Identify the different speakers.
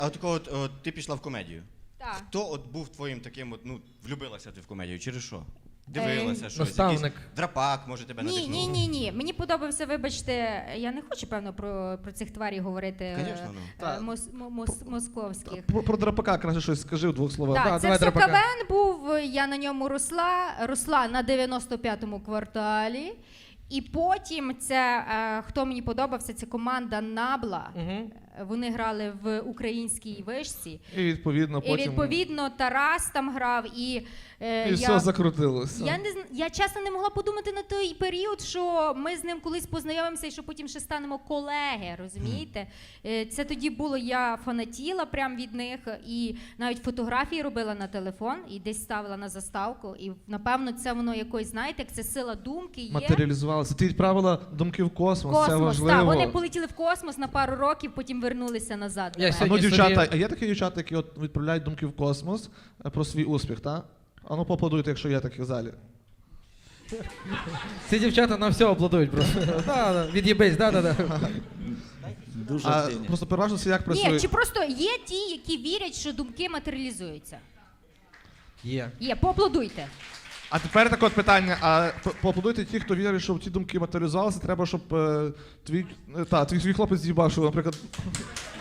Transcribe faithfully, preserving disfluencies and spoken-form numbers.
Speaker 1: А от такого, от, от, ти пішла в комедію.
Speaker 2: Так.
Speaker 1: Хто от був твоїм таким, от, ну, влюбилася ти в комедію, через що? Дивилася,
Speaker 2: Е,
Speaker 1: щось,
Speaker 3: Наставник.
Speaker 1: якийсь драпак, може, тебе
Speaker 2: Ні,
Speaker 1: надихнув?
Speaker 2: ні, ні, ні. Мені подобався, вибачте, я не хочу, певно, про, про цих тварів говорити е,
Speaker 1: Конечно, ну.
Speaker 2: е,
Speaker 3: Так.
Speaker 2: мос, мо- мос, московських.
Speaker 3: Про, про драпака краще щось скажи в двох словах.
Speaker 2: Так,
Speaker 3: Да,
Speaker 2: це
Speaker 3: давай
Speaker 2: все
Speaker 3: драпака.
Speaker 2: КВН був, я на ньому росла, росла на дев'яносто п'ятому кварталі. І потім це, е, хто мені подобався, це команда Набла.
Speaker 3: Угу.
Speaker 2: Вони грали в українській вишці.
Speaker 3: І відповідно
Speaker 2: І
Speaker 3: потім...
Speaker 2: відповідно Тарас там грав, і, е,
Speaker 3: І
Speaker 2: я,
Speaker 3: все закрутилося.
Speaker 2: я, не, зн- я чесно не могла подумати на той період, що ми з ним колись познайомимося і що потім ще станемо колеги, розумієте? Е, Це тоді було, я фанатіла прям від них, і навіть фотографії робила на телефон, і десь ставила на заставку, і напевно це воно якось, знаєте, як це сила думки є.
Speaker 3: Матеріалізувалося. Ти відправила думки в космос, це
Speaker 2: Космос,
Speaker 3: важливо.
Speaker 2: так, вони полетіли в космос на пару років, потім вернулися назад. до
Speaker 3: Я
Speaker 2: мене.
Speaker 3: а ну,
Speaker 4: Сьогодні
Speaker 3: дівчата,
Speaker 4: собі-
Speaker 3: а є такі дівчата, які от відправляють думки в космос е, про свій успіх, так? А ну поаплодуйте, якщо є такі в залі.
Speaker 4: Ці дівчата на все аплодують просто. Да, да, від'їбись, да, да, да.
Speaker 5: Дуже
Speaker 3: А
Speaker 5: активні.
Speaker 3: просто переважно це як працює?
Speaker 2: Ні, чи просто є ті, які вірять, що думки матеріалізуються?
Speaker 4: Є.
Speaker 2: Є, поаплодуйте.
Speaker 3: А тепер таке от питання, а по- поаплодуйте ті, хто вірить, що ті думки матеріалізувалися, треба, щоб е, твій, е, та, твій, твій хлопець з'їбав, що, наприклад,